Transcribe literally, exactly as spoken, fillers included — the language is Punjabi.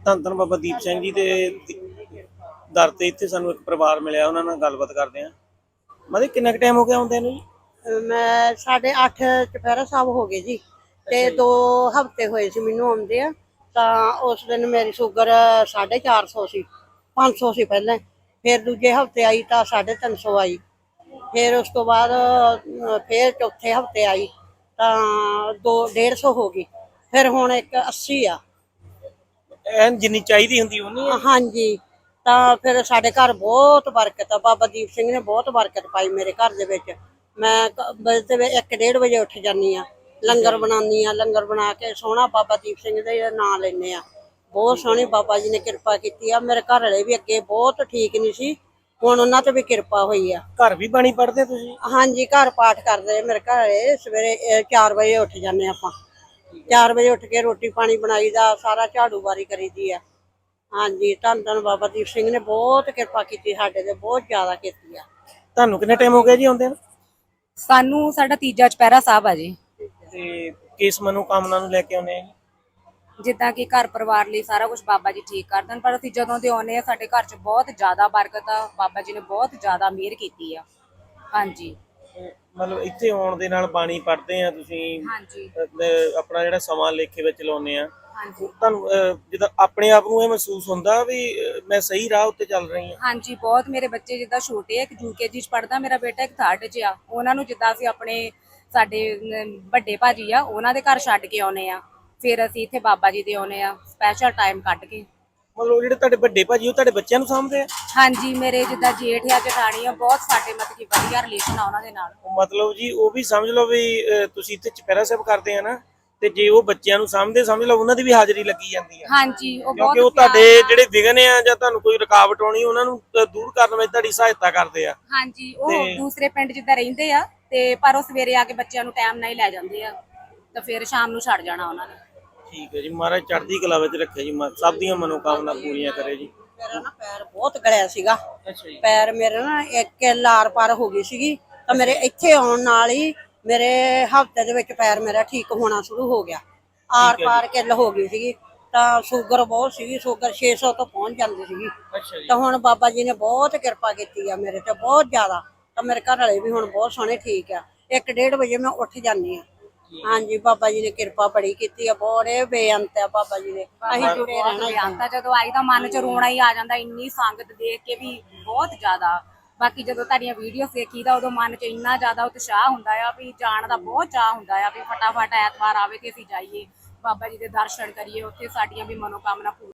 ਧੰਨ ਧੰਨ ਬਾਬਾ ਦੀਪ ਸਿੰਘ ਜੀ ਦੇ ਦਰ ਤੇ ਇੱਥੇ ਸਾਨੂੰ ਇੱਕ ਪਰਿਵਾਰ ਮਿਲਿਆ, ਉਹਨਾਂ ਨਾਲ ਗੱਲਬਾਤ ਕਰਦੇ ਆ। ਮਤਲਬ ਕਿੰਨਾ ਕੁ ਟਾਈਮ ਹੋ ਗਿਆ ਆਉਂਦੇ ਨੂੰ ਜੀ? ਮੈਂ ਸਾਢੇ ਅੱਠ ਚੁਪਹਿਰਾ ਸਾਹਿਬ ਹੋ ਗਏ ਜੀ, ਤੇ ਦੋ ਹਫ਼ਤੇ ਹੋਏ ਸੀ ਮੈਨੂੰ ਆਉਂਦੇ ਆ। ਤਾਂ ਉਸ ਦਿਨ ਮੇਰੀ ਸ਼ੂਗਰ ਸਾਢੇ ਚਾਰ ਸੌ ਸੀ, ਪੰਜ ਸੌ ਸੀ ਪਹਿਲਾਂ। ਫਿਰ ਦੂਜੇ ਹਫ਼ਤੇ ਆਈ ਤਾਂ ਸਾਢੇ ਤਿੰਨ ਸੌ ਆਈ। ਫਿਰ ਉਸ ਤੋਂ ਬਾਅਦ ਫਿਰ ਚੌਥੇ ਹਫ਼ਤੇ ਆਈ ਤਾਂ ਦੋ ਡੇਢ ਸੌ ਹੋ ਗਈ। ਫਿਰ ਹੁਣ ਇੱਕ ਅੱਸੀ ਆ। ਐਨ ਜਿੰਨੀ ਚਾਹੀਦੀ ਹੁੰਦੀ ਉਨੀ ਹੈ? ਹਾਂਜੀ। ਤਾਂ ਫਿਰ ਸਾਡੇ ਘਰ ਬਹੁਤ ਬਰਕਤ ਆ, ਬਾਬਾ ਦੀਪ ਸਿੰਘ ਨੇ ਬਹੁਤ ਬਰਕਤ ਪਾਈ ਮੇਰੇ ਘਰ ਦੇ ਵਿੱਚ। ਮੈਂ ਇੱਕ ਡੇਢ ਵਜੇ ਉੱਠ ਜਾਂਦੀ ਆ, ਲੰਗਰ ਬਣਾਉਂਦੀ ਆ, ਲੰਗਰ ਬਣਾ ਕੇ ਸੋਹਣਾ ਬਾਬਾ ਦੀਪ ਸਿੰਘ ਦੇ ਨਾਂ ਲੈਂਦੇ ਆ। ਬਹੁਤ ਸੋਹਣੀ ਬਾਬਾ ਜੀ ਨੇ ਕਿਰਪਾ ਕੀਤੀ ਆ। ਮੇਰੇ ਘਰ ਵਾਲੇ ਵੀ ਅੱਗੇ ਬਹੁਤ ਠੀਕ ਨਹੀਂ ਸੀ, ਹੁਣ ਉਹਨਾਂ ਤੇ ਵੀ ਕਿਰਪਾ ਹੋਈ ਆ। ਘਰ ਵੀ ਬਾਣੀ ਪੜ੍ਹਦੇ ਤੁਸੀਂ? ਹਾਂਜੀ, ਘਰ ਪਾਠ ਕਰਦੇ ਮੇਰੇ ਘਰ ਵਾਲੇ। ਸਵੇਰੇ ਚਾਰ ਵਜੇ ਉੱਠ ਜਾਂਦੇ ਆਪਾਂ, ਚਾਰ ਵਜੇ ਉੱਠ ਕੇ ਰੋਟੀ ਪਾਣੀ ਬਣਾਈ ਦਾ, ਸਾਰਾ ਝਾੜੂ ਬਾਰੀ ਕਰੀਦੀ ਆ। ਹਾਂਜੀ, ਧੰਨ ਧੰਨ ਬਾਬਾ ਦੀਪ ਸਿੰਘ ਨੇ ਬਹੁਤ ਕਿਰਪਾ ਕੀਤੀ ਸਾਡੇ ਤੇ, ਬਹੁਤ ਜ਼ਿਆਦਾ ਕੀਤੀ ਆ। ਤੁਹਾਨੂੰ ਕਿੰਨਾ ਟਾਈਮ ਹੋ ਗਿਆ ਜੀ ਆਉਂਦੇ ਨੂੰ? ਸਾਨੂੰ ਸਾਡਾ ਤੀਜਾ ਚੁਪਹਿਰਾ ਸਾਹਿਬ ਆ ਜੀ। ਤੇ ਕਿਸ ਮਨੋਕਾਮਨਾ ਨੂੰ ਲੈ ਕੇ ਆਉਂਦੇ ਆ ਜੀ? ਜਿੱਦਾਂ ਕਿ ਘਰ ਪਰਿਵਾਰ ਲਈ ਸਾਰਾ ਕੁਝ ਬਾਬਾ ਜੀ ਠੀਕ ਕਰ ਦੇਣ, ਪਰ ਅਸੀਂ ਜਦੋਂ ਦੇ ਆਉਂਦੇ ਆ ਸਾਡੇ ਘਰ 'ਚ ਬਹੁਤ ਜ਼ਿਆਦਾ ਬਰਕਤ ਆ। ਬਾਬਾ ਜੀ ਨੇ ਬਹੁਤ ਜ਼ਿਆਦਾ ਮਿਹਰ ਕੀਤੀ ਆ। ਹਾਂਜੀ, ਮਤਲਬ ਇੱਥੇ ਆਉਣ ਦੇ ਨਾਲ ਬਾਣੀ ਪੜ੍ਹਦੇ ਆ ਤੁਸੀਂ? ਹਾਂਜੀ, ਅਹ ਆਪਣਾ ਜਿਹੜਾ ਸਮਾਂ ਲੇਖੇ ਵਿੱਚ ਲਾਉਂਦੇ ਆ, ਹਾਂਜੀ, ਤੁਹਾਨੂੰ ਜਿੱਦਾਂ ਆਪਣੇ ਆਪ ਨੂੰ ਇਹ ਮਹਿਸੂਸ ਹੁੰਦਾ ਵੀ ਮੈਂ ਸਹੀ ਰਾਹ ਉੱਤੇ ਚੱਲ ਰਹੀ ਹਾਂ? ਹਾਂਜੀ। ਬਹੁਤ। ਮੇਰੇ ਬੱਚੇ ਜਿੱਦਾਂ ਛੋਟੇ ਆ, ਇੱਕ ਯੂਕੇਜੀ 'ਚ ਪੜ੍ਹਦਾ ਮੇਰਾ ਬੇਟਾ, ਇੱਕ ਥਰਡ 'ਚ ਆ। ਉਹਨਾਂ ਨੂੰ ਜਿੱਦਾਂ ਅਸੀਂ ਆਪਣੇ ਸਾਡੇ ਵੱਡੇ ਭਾਜੀ ਆ ਉਹਨਾਂ ਦੇ ਘਰ ਛੱਡ ਕੇ ਆਉਨੇ ਆ, ਫਿਰ ਅਸੀਂ ਇੱਥੇ ਬਾਬਾ ਜੀ ਦੇ ਆਉਨੇ ਆ ਸਪੈਸ਼ਲ ਟਾਈਮ ਕੱਢ ਕੇ। ਮਤਲਬ ਜਿਹੜੇ ਤੁਹਾਡੇ ਵੱਡੇ ਭਾਜੀ ਉਹ ਤੁਹਾਡੇ ਬੱਚਿਆਂ ਨੂੰ ਸਾਂਭਦੇ ਆ? ਹਾਂਜੀ, ਮੇਰੇ ਜਿੱਦਾਂ ਜੇਠ ਆ ਜਠਾਣੀ ਆ, ਬਹੁਤ ਸਾਡੇ ਮਤਲਬ ਕਿ ਵਧੀਆ ਰਿਲੇਸ਼ਨ ਆ ਉਹਨਾਂ ਦੇ ਨਾਲ। ਮਤਲਬ ਜੀ ਉਹ ਵੀ ਸਮਝ ਲਓ ਵੀ ਤੁਸੀਂ ਇੱਥੇ ਚੁਪਹਿਰਾ ਸਾਹਿਬ ਕਰਦੇ ਆ ਨਾ, ਤੇ ਜੇ ਉਹ ਬੱਚਿਆਂ ਨੂੰ ਸਾਂਭਦੇ, ਸਮਝ ਲਓ ਉਹਨਾਂ ਦੀ ਵੀ ਹਾਜ਼ਰੀ ਲੱਗੀ ਜਾਂਦੀ ਹੈ। ਹਾਂਜੀ, ਉਹ ਕਿਉਂਕਿ ਉਹ ਤੁਹਾਡੇ ਜਿਹੜੇ ਵਿਘਨ ਆ ਜਾਂ ਤੁਹਾਨੂੰ ਕੋਈ ਰੁਕਾਵਟ ਆਉਣੀ, ਉਹਨਾਂ ਨੂੰ ਦੂਰ ਕਰਨ ਵਿੱਚ ਤੁਹਾਡੀ ਸਹਾਇਤਾ ਕਰਦੇ ਆ। ਹਾਂਜੀ, ਉਹ ਦੂਸਰੇ ਪਿੰਡ ਜਿੱਦਾਂ ਰਹਿੰਦੇ ਆ, ਤੇ ਪਰ ਉਹ ਸਵੇਰੇ ਆ ਕੇ ਬੱਚਿਆਂ ਨੂੰ ਟਾਈਮ ਨਾਲ ਹੀ ਲੈ ਜਾਂਦੇ ਆ, ਤਾਂ ਫਿਰ ਸ਼ਾਮ ਨੂੰ ਛੱਡ ਜਾਣਾ ਉਹਨਾਂ ਨੇ। ਠੀਕ ਹੈ ਜੀ, ਮਹਾਰਾਜ ਚੜ੍ਹਦੀ ਕਲਾ ਵਿੱਚ ਰੱਖੇ ਜੀ, ਸਭ ਦੀਆਂ ਮਨੋਕਾਮਨਾ ਪੂਰੀਆਂ ਕਰੇ ਜੀ। ਮੇਰਾ ਨਾ ਪੈਰ ਬਹੁਤ ਗਲਿਆ ਸੀਗਾ। ਅੱਛਾ ਜੀ। ਪੈਰ ਮੇਰੇ ਨਾ ਇੱਕ ਲਾਰ ਪਾਰ ਹੋ ਗਈ ਸੀਗੀ, ਤਾਂ ਮੇਰੇ ਇੱਥੇ ਆਉਣ ਨਾਲ ਹੀ ਮੇਰੇ ਹਫ਼ਤੇ ਦੇ ਵਿੱਚ ਪੈਰ ਮੇਰਾ ਠੀਕ ਹੋਣਾ ਸ਼ੁਰੂ ਹੋ ਗਿਆ। ਆਰ ਪਾਰ ਕਿੱਲ ਹੋ ਗਈ ਸੀਗੀ, ਤਾਂ ਸ਼ੂਗਰ ਬਹੁਤ ਸੀਗੀ, ਸ਼ੂਗਰ ਛੇ ਸੌ ਤੋਂ ਪਹੁੰਚ ਜਾਂਦੀ ਸੀਗੀ। ਅੱਛਾ ਜੀ। ਤਾਂ ਹੁਣ ਬਾਬਾ ਜੀ ਨੇ ਬਹੁਤ ਕਿਰਪਾ ਕੀਤੀ ਆ ਮੇਰੇ ਤੇ, ਬਹੁਤ ਜ਼ਿਆਦਾ। ਤਾਂ ਮੇਰੇ ਘਰ ਵਾਲੇ ਵੀ ਹੁਣ ਬਹੁਤ ਸੋਹਣੇ ਠੀਕ ਆ। ਇੱਕ ਡੇਢ ਵਜੇ ਮੈਂ ਉੱਠ ਜਾਂਦੀ ਆ। ਹਾਂਜੀ, ਬਾਬਾ ਜੀ ਨੇ ਕਿਰਪਾ ਬੜੀ ਕੀਤੀ ਆ, ਬੜੇ ਬੇਅੰਤ ਆ ਬਾਬਾ ਜੀ ਨੇ। ਅਸੀਂ ਜੁੜੇ ਰਹਿਣਾ। ਜਦੋਂ ਆਈ ਤਾਂ ਮਨ 'ਚ ਰੋਣਾ ਹੀ ਆ ਜਾਂਦਾ, ਇੰਨੀ ਸੰਗਤ ਦੇਖ ਕੇ ਵੀ ਬਹੁਤ ਜ਼ਿਆਦਾ। ਬਾਕੀ ਜਦੋਂ ਤੁਹਾਡੀਆਂ ਵੀਡੀਓ ਦੇਖੀਦਾ ਉਦੋਂ ਮਨ 'ਚ ਇੰਨਾ ਜ਼ਿਆਦਾ ਉਤਸ਼ਾਹ ਹੁੰਦਾ ਆ ਵੀ ਜਾਣ ਦਾ ਬਹੁਤ ਚਾਅ ਹੁੰਦਾ ਆ ਵੀ ਫਟਾਫਟ ਐਤਵਾਰ ਆਵੇ ਤੇ ਅਸੀਂ ਜਾਈਏ, ਬਾਬਾ ਜੀ ਦੇ ਦਰਸ਼ਨ ਕਰੀਏ, ਉੱਥੇ ਸਾਡੀਆਂ ਵੀ ਮਨੋਕਾਮਨਾ